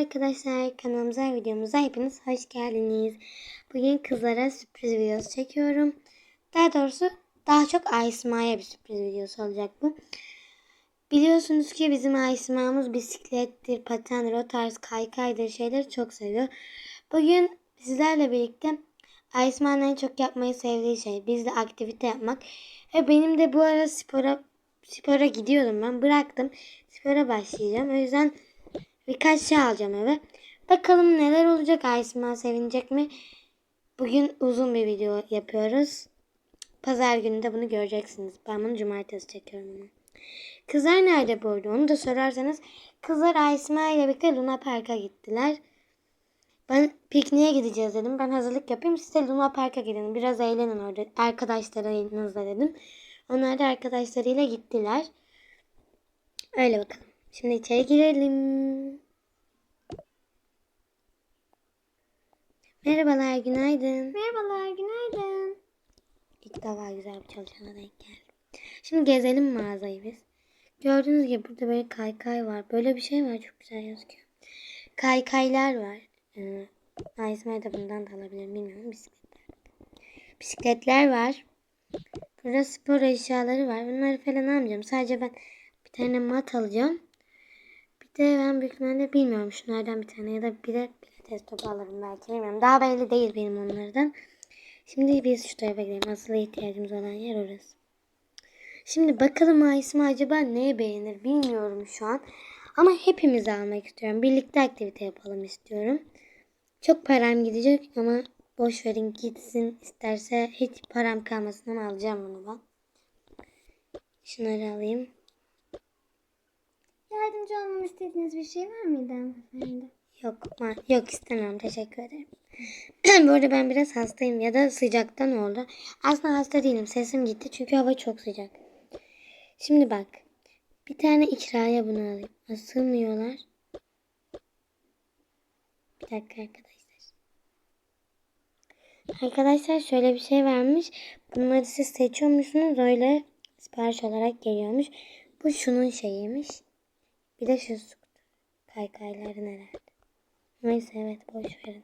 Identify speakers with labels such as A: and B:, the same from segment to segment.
A: arkadaşlar, kanalımıza, videomuza hepiniz hoş geldiniz. Bugün kızlara sürpriz videosu çekiyorum. Daha doğrusu daha çok Aysma'ya bir sürpriz videosu olacak bu. Biliyorsunuz ki bizim Aysma'mız bisiklettir, patendir, o tarz kaykaydır şeyleri çok seviyor. Bugün sizlerle birlikte Aysma'nın en çok yapmayı sevdiği şey bizle aktivite yapmak. Ve benim de bu ara spora gidiyordum ben. Bıraktım. Spora başlayacağım. O yüzden birkaç şey alacağım eve. Bakalım neler olacak. Aysma sevinecek mi? Bugün uzun bir video yapıyoruz. Pazar günü de bunu göreceksiniz. Ben bunu cumartesi çekiyorum ama. Kızlar nerede bu arada? Onu da sorarsanız. Kızlar Aysma ile birlikte Luna Park'a gittiler. Ben pikniğe gideceğiz dedim. Ben hazırlık yapayım. Siz de Luna Park'a gidin. Biraz eğlenin orada. Arkadaşlarınızla dedim. Onlar da arkadaşlarıyla gittiler. Öyle bakalım. Şimdi içeri girelim. Merhabalar, günaydın.
B: Merhabalar, günaydın.
A: İlk defa güzel bir çalışana denk geldim. Şimdi gezelim mağazayı biz. Gördüğünüz gibi burada böyle kaykay var. Böyle bir şey var, çok güzel gözüküyor. Kaykaylar var. Aysma'ya da bundan da alabilirim, bilmiyorum. Bisikletler var. Burada spor eşyaları var. Bunları falan almayacağım. Sadece ben bir tane mat alacağım. Bir de ben büyük ihtimalle bilmiyorum. Şunlardan bir tane ya da bir de pilates topu alırım belki. Bilmiyorum. Daha belli değil benim onlardan. Şimdi biz şu tarafa gidelim. Asıl ihtiyacımız olan yer orası. Şimdi bakalım Aysma acaba neye beğenir bilmiyorum şu an. Ama hepimizi almak istiyorum. Birlikte aktivite yapalım istiyorum. Çok param gidecek ama boş verin gitsin. İsterse hiç param kalmasın ama alacağım bunu ben. Şunları alayım.
B: Yardımcı olmamı istediğiniz bir şey var mıydı hanımefendi?
A: Yok istemem, teşekkür ederim. Bu arada ben biraz hastayım ya da sıcaktan oldu. Aslında hasta değilim, sesim gitti çünkü hava çok sıcak. Şimdi bak, bir tane ikraya bunu alayım. Sığmıyorlar. Bir dakika arkadaşlar. Arkadaşlar şöyle bir şey varmış. Bunları siz seçiyormuşsunuz, öyle sipariş olarak geliyormuş. Bu şunun şeyiymiş. Bir de şu kaykayların herhalde. Neyse evet, boş verin.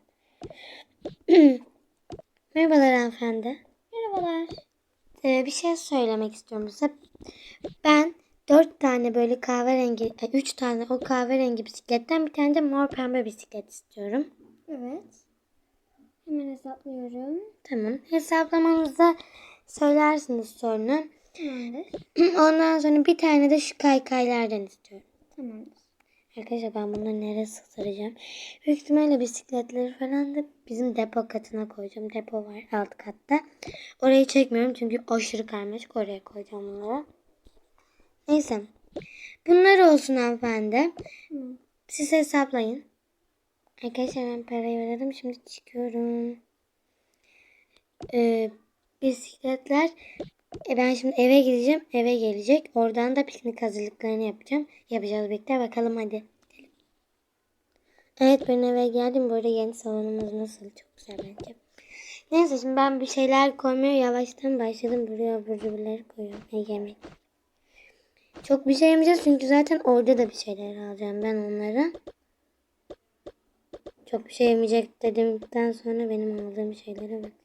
A: Merhabalar hanımefendi.
B: Merhabalar.
A: Bir şey söylemek istiyorum size. Ben 4 tane böyle kahverengi, 3 tane o kahverengi bisikletten bir tane de mor pembe bisiklet istiyorum.
B: Evet. Hemen hesaplıyorum.
A: Tamam. Hesaplamanızda söylersiniz sonra.
B: Tamamdır.
A: Ondan sonra bir tane de şu kaykaylardan istiyorum.
B: Tamamdır.
A: Arkadaşlar ben bunları nereye sığdıracağım? Büyük ihtimalle bisikletleri falan da bizim depo katına koyacağım. Depo var alt katta. Orayı çekmiyorum çünkü aşırı karmaşık, oraya koyacağım bunları. Neyse. Bunlar olsun hanımefendi. Siz hesaplayın. Arkadaşlar ben parayı ödedim. Şimdi çıkıyorum. Bisikletler. Ben şimdi eve gideceğim. Eve gelecek. Oradan da piknik hazırlıklarını yapacağım. Yapacağız birlikte. Bakalım hadi. Evet, ben eve geldim. Bu arada yeni salonumuz nasıl? Çok güzel bence. Neyse şimdi ben bir şeyler koymaya yavaştan başladım. Buraya abur cuburları koyuyorum. Yemek. Çok bir şey yemeyeceğiz çünkü zaten orada da bir şeyler alacağım ben onlara. Çok bir şey yemeyecek dedikten sonra benim aldığım şeylere bak.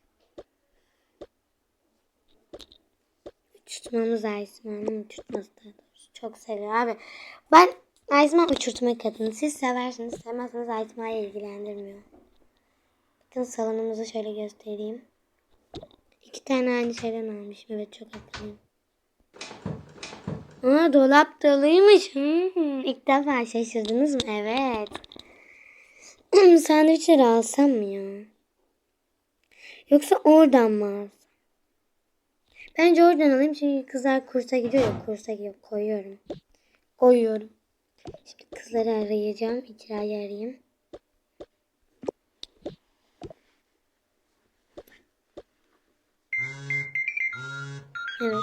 A: Uçurtmamız Aysma'nın uçurtması da doğrusu. Çok seviyor abi. Ben Aysma uçurtma kadını. Siz seversiniz, sevmezseniz Aysma'yı ilgilendirmiyor. Bakın salonumuzu şöyle göstereyim. 2 tane aynı şeyden almışım. Evet, çok haklıyım. Aa, dolap doluymuş. İlk defa şaşırdınız mı? Evet. Sandviçleri alsam mı ya? Yoksa oradan mı alsam? Bence oradan alayım çünkü kızlar kursa gidiyor ya. Kursa gidiyor. Koyuyorum. Şimdi kızları arayacağım. İcrayı arayayım. Evet.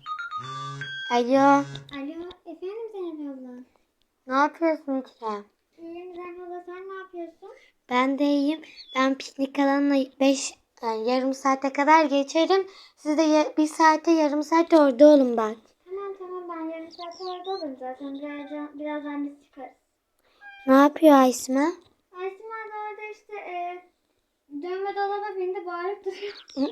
A: Alo.
B: Alo, efendim Zeynep abla.
A: Ne yapıyorsun İkra?
B: İyiyim Zeynep abla, sen ne yapıyorsun?
A: Ben de iyiyim. Ben piknik alanına yarım saate kadar geçerim. Siz de bir saate yarım saat orada olun bak.
B: Tamam ben yarım saat orada olurum zaten. Birazdan biz çıkarız.
A: Ne yapıyor Aysma?
B: Aysima da orada işte dönme dolaba bindi bağırıp duruyor.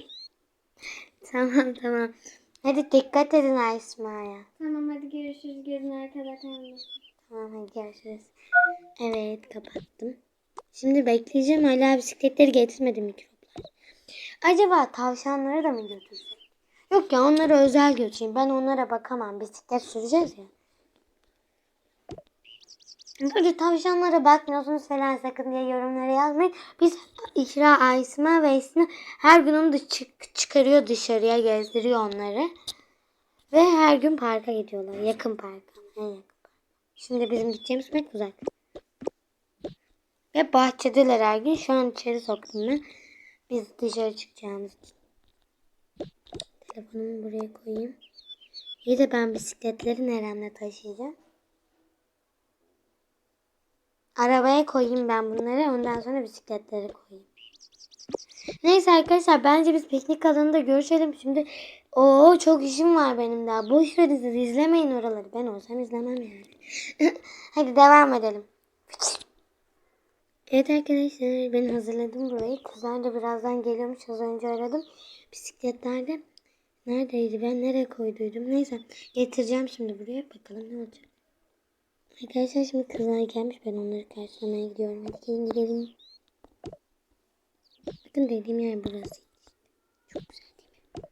A: Tamam. Hadi dikkat edin Aysma'ya.
B: Tamam hadi görüşürüz. Gözün arkada kalmasın.
A: Tamam hadi görüşürüz. Evet kapattım. Şimdi bekleyeceğim. Hala bisikletleri getirmedi mikroplar. Acaba tavşanları da mı götürsek? Yok ya onları özel götüreyim. Ben onlara bakamam. Bisiklet süreceğiz ya. Böyle tavşanlara bakmıyorsunuz falan sakın diye yorumlara yazmayın. Biz İkra, Aysma ve Esin her gün onu da çıkarıyor dışarıya gezdiriyor onları. Ve her gün parka gidiyorlar. Yakın parka. En yakın park. Şimdi bizim gideceğimiz pek uzak. Ve bahçedeler her gün. Şu an içeri soktum ben. Biz dışarı çıkacağımız için. Telefonumu buraya koyayım. İyi de ben bisikletleri neremle taşıyacağım? Arabaya koyayım ben bunları. Ondan sonra bisikletleri koyayım. Neyse arkadaşlar bence biz piknik alanında görüşelim. Şimdi çok işim var benim daha. Boş verin siz izlemeyin oraları. Ben olsam izlemem yani. Hadi devam edelim. Evet arkadaşlar ben hazırladım burayı. Kızlar da birazdan geliyormuş. Az önce aradım. Bisikletlerde neredeydi? Ben nereye koyduydum? Neyse getireceğim şimdi buraya. Bakalım ne olacak. Arkadaşlar şimdi kızlar gelmiş. Ben onları karşılamaya gidiyorum. Hadi gelin gidelim. Bakın dediğim yer burası. Çok güzel değil mi?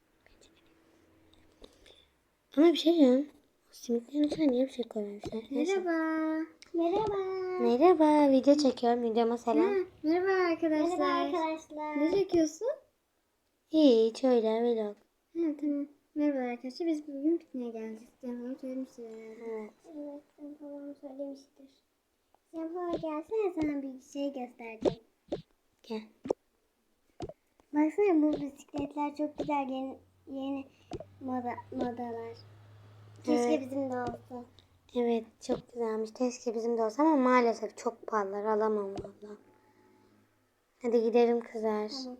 A: Ama bir şey diyeceğim. Simitlerin içine niye bir şey koymamışlar? Neyse.
B: Merhaba. Merhaba.
A: Merhaba. Video çekiyorum. Videoma selam.
B: Merhaba arkadaşlar. Merhaba arkadaşlar. Ne çekiyorsun?
A: Hiç öyle vlog.
B: Tamam. Merhaba arkadaşlar. Biz bugün pikniğe geldik. Sen bana söylemiştin herhalde.
A: Evet.
B: Evet. Sen babam söylemiştir. Sen bana gelsene sana bir şey göstereceğim.
A: Gel.
B: Baksana bu bisikletler çok güzel yeni modalar. Keşke
A: Evet.
B: bizim de olsa.
A: Evet çok güzelmiş. Keşke bizim de olsa ama maalesef çok pahalılar. Alamam valla. Hadi gidelim kızlar.
B: Tamam.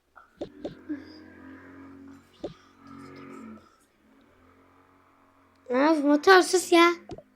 A: Of motor sus ya.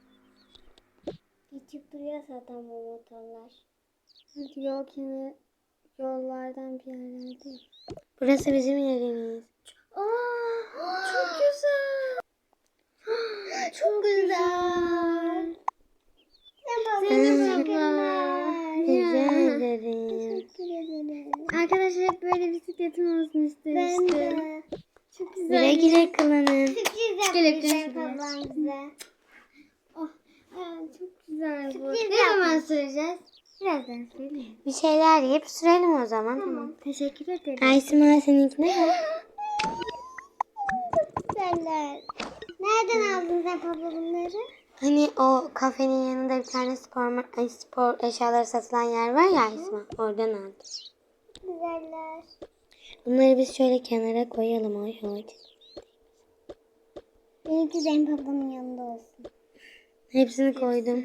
B: Geçip duruyor zaten bu motorlar. Yol kenarı yollardan bir yerlerde.
A: Burası bizim yerimiz.
B: Çok güzel. Çok güzel. Zeynep abla.
A: Rica ederim.
B: Arkadaşlar hep böyle bisikletim olsun istemiştim. Ben de. Çok güzel.
A: Güle güle kullanın.
B: Sürpriz yaptı Zeynep ablam bize. Oh, çok güzel bu. Ne zaman süreceğiz? Birazdan söyleyeyim.
A: Bir şeyler yiyip sürelim o zaman.
B: Tamam. Teşekkür ederim.
A: Aysima seninkine mi?
B: Çok güzeller. Nereden aldın Zeynep abla bunları?
A: Hani o kafenin yanında bir tane spor eşyaları satılan yer var ya Aysima. Oradan aldım.
B: Güzeller.
A: Bunları biz şöyle kenara koyalım. Oy.
B: Benimki Zeynep ablamın yanında olsun.
A: Hepsini koydum.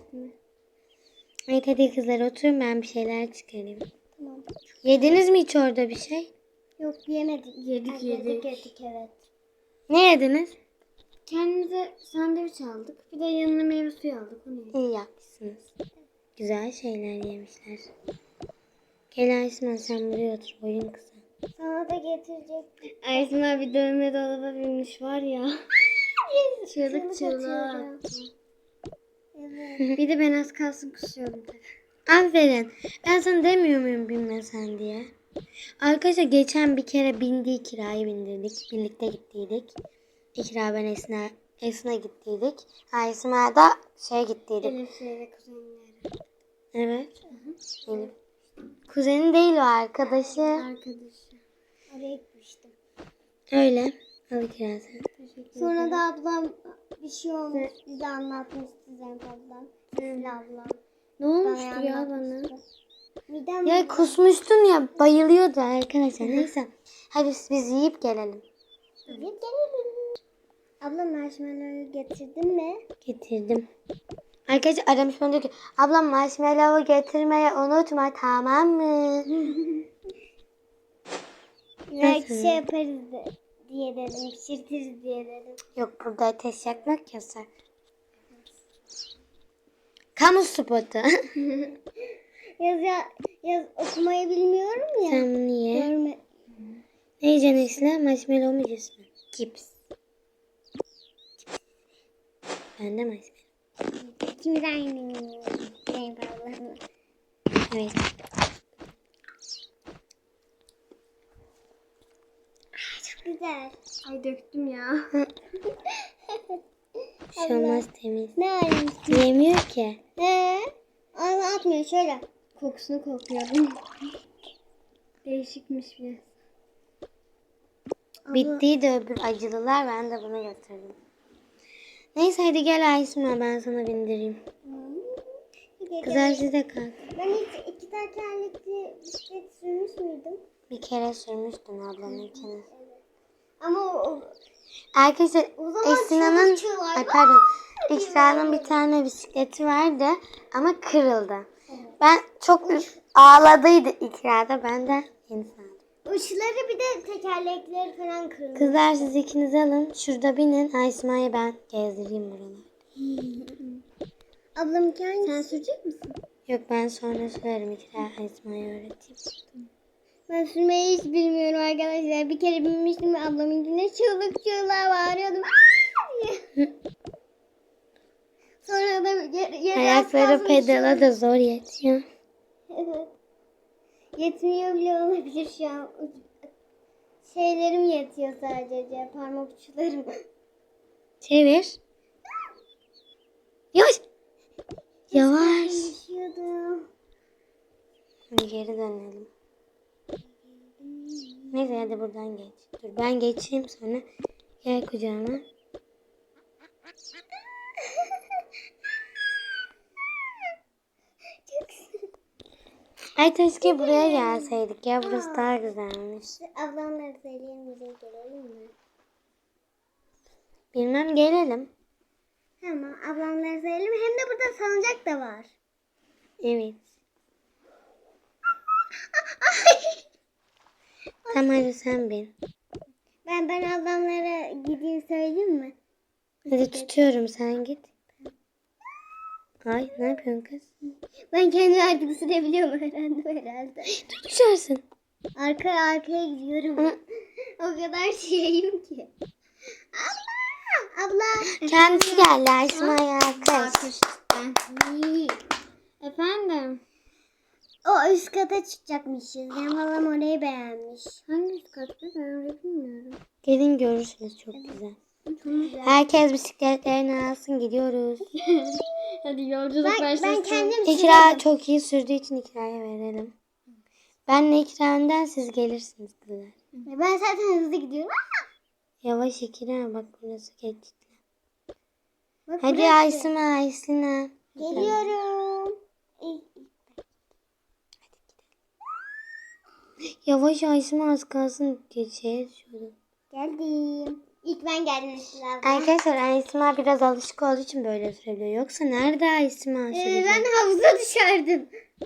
A: Evet hadi kızlar oturun ben bir şeyler çıkarayım.
B: Tamam.
A: Yediniz mi hiç orada bir şey?
B: Yok yemedik. Yedik evet.
A: Ne yediniz?
B: Kendimize sandviç aldık. Bir de yanına meyve suyu aldık. Onu yedik.
A: İyi yapmışsınız. Güzel şeyler yemişler. Gel Aysima sen buraya otur. Boyun kısa.
B: Sana da getirecek. Aysin abi dövme dolaba binmiş var ya. Çığlık çığlığa. Evet. Bir de ben az kalsın kusuyordum.
A: Aferin. Ben sana demiyor muyum binme sen diye. Arkadaşlar geçen bir kere kirayı bindirdik. Birlikte gittiydik. İkra ben Esin'e gittiydik. Aysima da gittiydik.
B: Elif ve kuzenleri.
A: Evet. Elif. Kuzeni değil o arkadaşı.
B: Arkadaşı. Oraya gitmiştim.
A: Öyle. Al İkra sen.
B: Sonra da ablam bir şey olmuş. Bize anlatmıştı Zeynep ablam. Sesli ablam.
A: Ne olmuştu ya bana?
B: Midem
A: Ya kusmuştun ya bayılıyordu arkadaşlar. Neyse. Hadi biz yiyip gelelim.
B: gelelim. Abla marshmallow getirdin mi?
A: Getirdim. Arkadaşlar aramış bana diyor ki ablam marshmallow getirmeyi unutma tamam mı?
B: Belki şey yaparız diye dedim. Pişirtiriz diye dedim.
A: Yok burada ateş yakmak yasak. Kamu spotu.
B: Yaz okumayı bilmiyorum ya.
A: Sen bunu ye.
B: Görme.
A: Ne yiyeceksin Esra? Marshmallow mu yiyeceksin? Cips. Ben de marshmallow.
B: İkimiz aynı. Benim Allah'ım.
A: Evet.
B: Çok güzel. Ay döktüm ya.
A: Bir şey olmaz, temiz.
B: Ne halimiz?
A: Yemiyor ki.
B: Ağzına atmıyor şöyle. Kokusunu kokuyordum. Değişikmiş biraz.
A: Bittiydi öbür acılılar. Ben de bunu götürdüm. Neyse hadi gel Aysma, ben sana bindireyim. Kızlar siz de kalk.
B: Ben hiç iki tekerlekli bisiklet sürmüş müydüm?
A: Bir kere sürmüştün ablanın ikini.
B: Ama
A: Arkadaşlar
B: o zaman
A: Esina'nın,
B: çığlık çığlık.
A: ay pardon, İkra'nın bir tane bisikleti vardı ama kırıldı. Ben çok ağladıydı İkra'da, ben de yeni aldım.
B: uçları bir de tekerlekleri falan kırılmış.
A: Kızlar siz ikiniz alın, şurada binin, Aysma'yı ben gezdireyim buraları.
B: Ablam hangisi? Sen sürecek misin?
A: Yok, ben sonra sürerim, İkra Aysma'yı öğreteyim.
B: Ben sürmeyi hiç bilmiyorum arkadaşlar. Bir kere binmiştim ve ablamınkine çığlık çığlığa bağırıyordum. Aa! diye. Sonra da yere
A: Ayakları pedala da zor yetiyor.
B: Evet. Yetmiyor bile olabilir şu an. Şeylerim yetiyor sadece. Parmak uçlarım.
A: Çevir. Yavaş. Yavaş.
B: Düşüyordum.
A: Hadi geri dönelim. Neyse hadi buradan geç. Dur ben geçeyim, sonra gel kucağıma. Ay keşke buraya gelseydik ya, burası daha güzelmiş.
B: Ablamları söyleyemeyecek, gelelim mi?
A: Bilmem, gelelim.
B: Tamam, ablamları söyleyelim. Hem de burada salıncak da var.
A: Evet. Tamam hadi sen bin.
B: Ben ablamlara gideyim söyleyeyim mi?
A: Hadi tutuyorum, sen git. Ay ne yapıyorsun kız?
B: Ben kendimi artık sürebiliyorum, öğrendim herhalde.
A: Dur düşersin.
B: Arkaya gidiyorum. O kadar şeyim ki. Abla.
A: Kendisi geldi Aysma'ya kız.
B: Efendim? O üst kata çıkacakmışız. Benim halam orayı beğenmiş. Hangi üst katta? Ben orayı bilmiyorum.
A: Gelin görürsünüz, çok güzel.
B: Çok güzel.
A: Herkes bisikletlerini alsın, gidiyoruz.
B: Hadi yolculuk başlasın. Ben kendim
A: İkra çok iyi sürdüğü için İkra'ya verelim. Benle İkra önden, siz gelirsiniz kızlar.
B: Ben zaten hızlı gidiyorum.
A: Yavaş İkra, bak burası geçti.
B: Bak
A: Hadi
B: burası.
A: Aysma.
B: Geliyorum.
A: Yavaş Aysma, az kalsın geçeceğiz şurada.
B: Geldim. İlk ben geldim Esra.
A: Arkadaşlar Aysma biraz alışık olduğu için böyle sürebiliyor. Yoksa nerede Aysma sürecek?
B: Ben havuza düşerdim.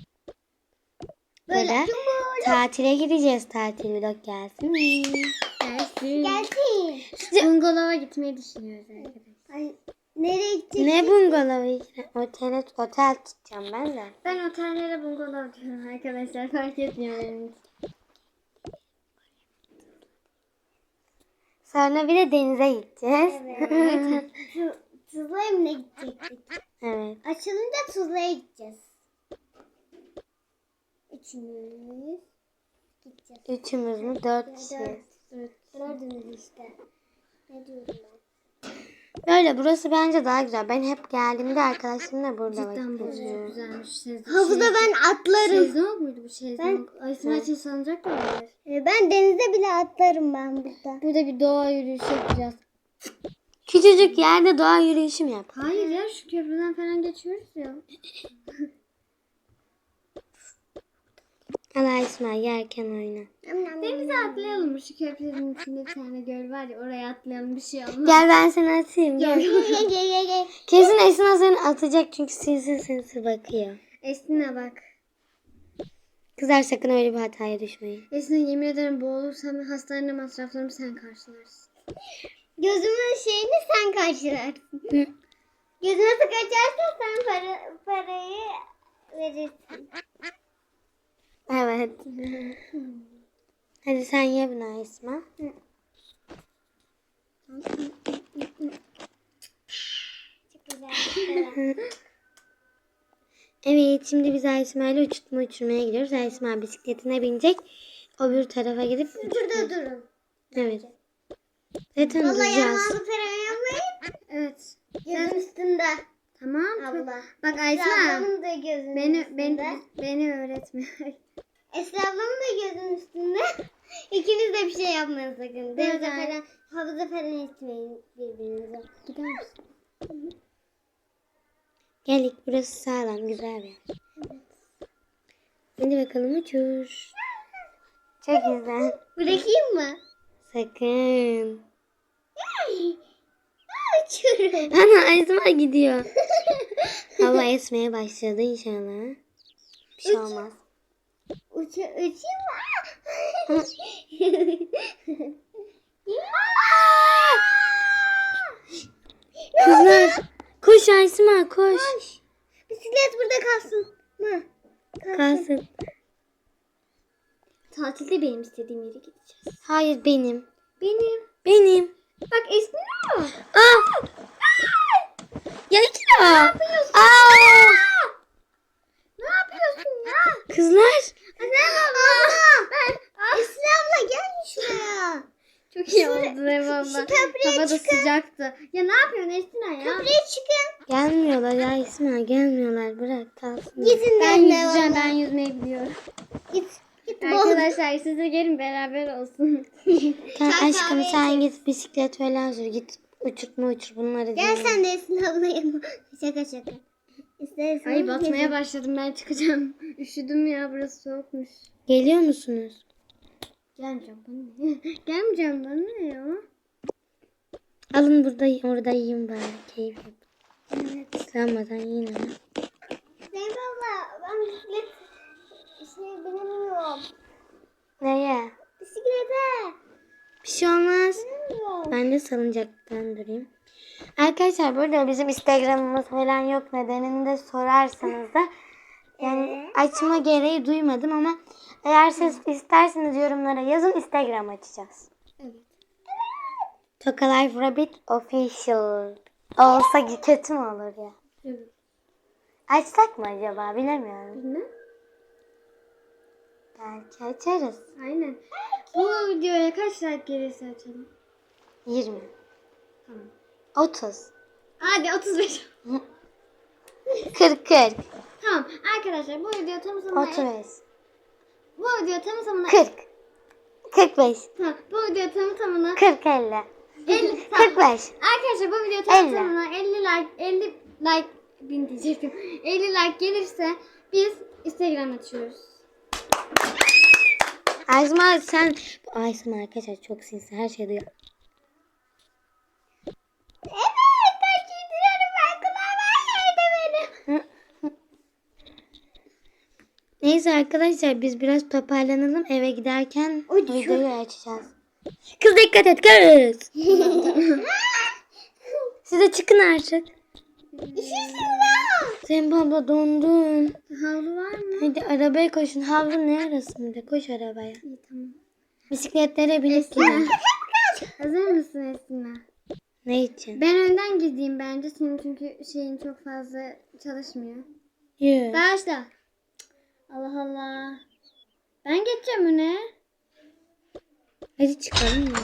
A: Böyle tatile gideceğiz, tatil vlog gelsin.
B: Gelsin. Bungalova gitmeyi düşünüyoruz arkadaşlar. Ay, nereye gidecek?
A: Ne bungalovu İkra? Otel tutacağım ben de.
B: Ben otellere bungalov diyorum arkadaşlar. Fark etmiyor benim için.
A: Sonra bir de denize gideceğiz.
B: Evet. Tuzla Emine gidecektik.
A: Evet.
B: Açılınca Tuzla'ya gideceğiz. Üçümüz gideceğiz.
A: Üçümüz mü? 4 kişiyiz.
B: Dördümüz işte. Ne diyorum ben?
A: Böyle burası bence daha güzel. Ben hep geldiğimde arkadaşlarımla burada vakit
B: Cidden
A: geçiriyorum.
B: güzelmiş. Havuzda ben atlarım. Şezlong muydu bu şezlong? Aysma için salıncak da var. Ben denizde bile atlarım ben burada. Burada bir doğa yürüyüşü yapacağız.
A: Küçücük yerde doğa yürüyüşü mü yap?
B: Hayır ya, şu köprüden falan geçiyoruz ya.
A: Allah İsmail yerken oyna.
B: Denize atlayalım mı? Şu köprünün içinde bir tane göl var ya, oraya atlayalım, bir şey olmaz.
A: Gel ben seni atayım. Gel.
B: Gel.
A: Kesin Esma seni atacak çünkü sinsi bakıyor.
B: Esnine bak.
A: Kızlar sakın öyle bir hataya düşmeyin.
B: Esnine, yemin ederim boğulursam hastane masraflarımı sen karşılarsın. Gözümün şeyini sen karşılarsın. Gözüne sık açarsan sen parayı verirsin.
A: Evet. Hadi sen ye bunu Esma.
B: Çok güzel.
A: Evet, şimdi biz Esma ile uçurmaya gidiyoruz. Esma bisikletine binecek. Öbür tarafa gidip
B: Burada durun.
A: Evet. Zaten
B: Vallahi
A: duracağız.
B: yanağımı falan yapmayın. Evet. Gözün üstünde. Tamam. Abla. Bak Esma. Ablamın da gözünün üstünde. Beni öğretme. Esra ablamın da gözünün üstünde. İkiniz de bir şey yapmayın sakın. Denize falan, havuza falan itmeyin birbirinize. Gider misin?
A: Geldik, burası sağlam, güzel bir yer. Hadi bakalım uçur. Çok güzel.
B: Bırakayım mı?
A: Sakın.
B: Uçuyorum.
A: Ana Esma gidiyor. Hava esmeye başladı inşallah. Bir şey olmaz.
B: Uçayım mı?
A: Kızlar koş Esma koş.
B: Bisiklet burada kalsın mı?
A: Kalsın.
B: Tatilde benim istediğim yere gideceğiz.
A: Hayır benim.
B: Benim.
A: Bak
B: Bak esniyor.
A: Aa! Ya İkra.
B: Ne yapıyorsun?
A: Aa!
B: Ne yapıyorsun ya?
A: Kızlar.
B: Abla. Esra abla gel şuraya. Çok iyi oldu eyvallah.
A: Şu
B: Hava da sıcaktı. Ya ne yapıyorsun Esra ya? Köprüye çıkın.
A: Gelmiyorlar ya Esma, gelmiyorlar. Bırak kalsın.
B: Gidin ben yüzeceğim. Ben yüzmeyi biliyorum. Git.
A: Arkadaşlar
B: siz de gelin beraber olsun.
A: Sen
B: Çay
A: aşkım
B: kahve
A: sen git bisiklet falan sür. Git uçur bunları.
B: Gel
A: dinle.
B: sen de Esra abla yanıma. Şaka. İstersen. Ay batmaya başladım ben çıkacağım. Üşüdüm ya burası soğukmuş.
A: Geliyor musunuz?
B: Gelmeyeceğim bana ne? Gelmeyeceğim bana ne ya?
A: Alın orada yiyin bari. Keyif yap.
B: Evet.
A: Islanmadan yiyin ama.
B: Zeynep abla ben bisiklet binemiyorum.
A: Neye?
B: Bisiklete
A: Bir şey olmaz.
B: binemiyorum.
A: Ben de salıncaktan durayım. Arkadaşlar burada bizim Instagram'ımız falan yok. Nedenini de sorarsanız da yani açma gereği duymadım ama eğer siz isterseniz yorumlara yazın, Instagram açacağız.
B: Evet.
A: Toka Life Rabbit Official olsa kötü mü olur ya?
B: Evet.
A: Açsak mı acaba, bilemiyorum.
B: Bilmem.
A: Belki açarız.
B: Aynen. Bu videoya kaç like gelirse açalım.
A: 20,
B: Tamam.
A: 30,
B: Hadi 35.
A: 40.
B: Tamam arkadaşlar bu video tam tamına
A: 35,
B: bu video tam tamına
A: 40, 45,
B: tamam, bu video tam tamına
A: 40, 50,
B: 50 tamam.
A: 45.
B: Arkadaşlar bu video tam
A: 50.
B: tamına 50 like bin diyecektim. 50 like gelirse biz Instagram açıyoruz.
A: Ayşma sen... Ayşma arkadaşlar çok sinsi, her şeyi duyuyor.
B: Evet ben giydiriyorum ben kulağım her yerde benim.
A: Neyse arkadaşlar biz biraz toparlanalım, eve giderken
B: Uçur.
A: videoyu açacağız. Kız dikkat et kız. Siz de çıkın artık.
B: Üşürsün lan.
A: Sen abla dondun.
B: Havlu var mı?
A: Hadi arabaya koşun. Havlu ne arasında? Koş arabaya.
B: İyi tamam.
A: Bisikletlere binip gidin.
B: Hazır mısın Esma?
A: Ne için?
B: Ben önden gideyim bence senin çünkü şeyin çok fazla çalışmıyor.
A: Yürü.
B: Başla. Allah Allah. Ben geçeceğim öne.
A: Hadi çıkalım ya.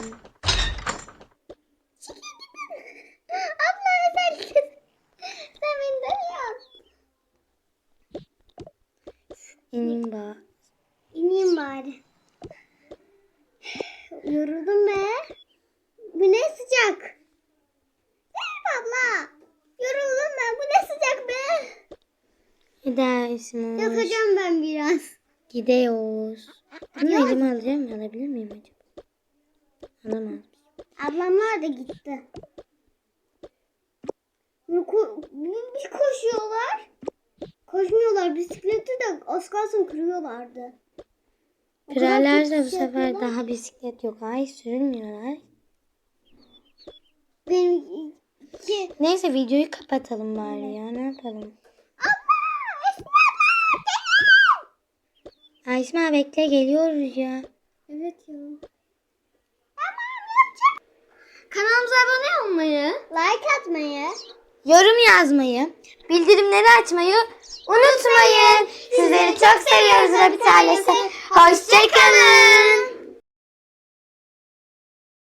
B: Abla sen beni dönüyorsun.
A: İneyim bak.
B: İneyim bari. Yoruldum be. Bu ne sıcak. Zeynep abla. Yoruldum ben. Bu ne sıcak be.
A: Hadi Ayşma.
B: Yatacağım ben biraz.
A: Gidiyoruz. Bunu elime alacağım mı? Alabilir miyim acaba? Alamaz.
B: Ablamlar da gitti. Bir koşuyorlar. Koşmuyorlar. Bisikleti de az kalsın kırıyorlardı. O kadar
A: Kırarlarsa
B: kötü
A: bu
B: şey
A: sefer
B: yapıyorlar.
A: daha bisiklet yok. Ay sürülmüyorlar.
B: Benim
A: Neyse videoyu kapatalım bari ya. Ne yapalım? Aysma bekle geliyoruz ya.
B: Evet ya. Kanalımıza abone olmayı, like atmayı,
A: Yorum yazmayı, bildirimleri açmayı unutmayın. Sizleri çok seviyoruz bir tanesi. Hoşçakalın.